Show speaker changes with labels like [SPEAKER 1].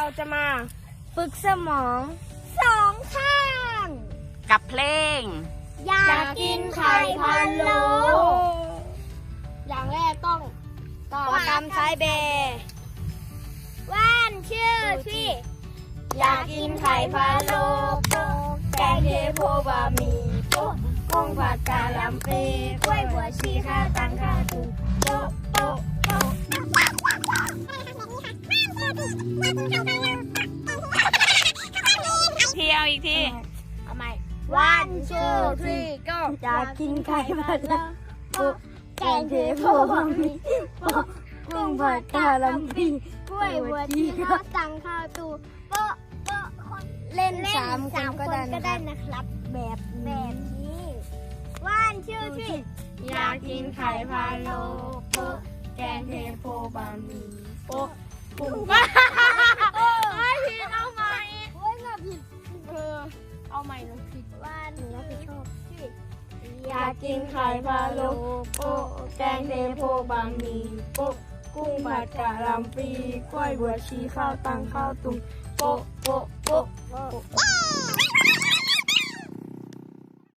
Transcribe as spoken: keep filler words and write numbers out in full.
[SPEAKER 1] เราจะมาฝึกสมองสองข้าง
[SPEAKER 2] กับเพลง
[SPEAKER 1] อยากกินไข่พะโล้อย่างแรกต้องต้องทำไซเบร์ว่านชื่อที่อยากกินไข่พะโล้แกงเทโพบะหมี่โป๊ะกุ้งผัดกะหล่ำปลีกล้วยบัวชีข้าวตังข้าวตุ๋นโป๊ะโป๊ะโป๊ะ
[SPEAKER 2] เที่ยวอีกที
[SPEAKER 1] เอาใหม่ว่านชื่อที่ก็อยากกินไข่พะโล้แกงเทโพบะหมี่โป๊ะกุ้งผัดกะหล่ำปลีกล้วยบัวชีข้าวตังข้าวตุ๋นโป๊ะโป๊ะเล่นสามคนก็ได้นะครับแบบแบบนี้ว่านชื่อที่อยากกินไข่พะโล้โป๊ะแกงเทโพบะหมี่โป๊ะกุ้งผัดไม่ผิดเอาใหม่โอ้ยมาผิดเออเอาใหม่หนูผิดว่านหนูรับผิดชอบชื่ออยากกินไข่พะโล้โป๊ะแกงเทโพบะหมี่โป๊ะกุ้งผัดกะหล่ำปลีกล้วยบัวชีข้าวตังข้าวตุ๋นโป๊ะโป๊ะโป๊ะโป๊ะ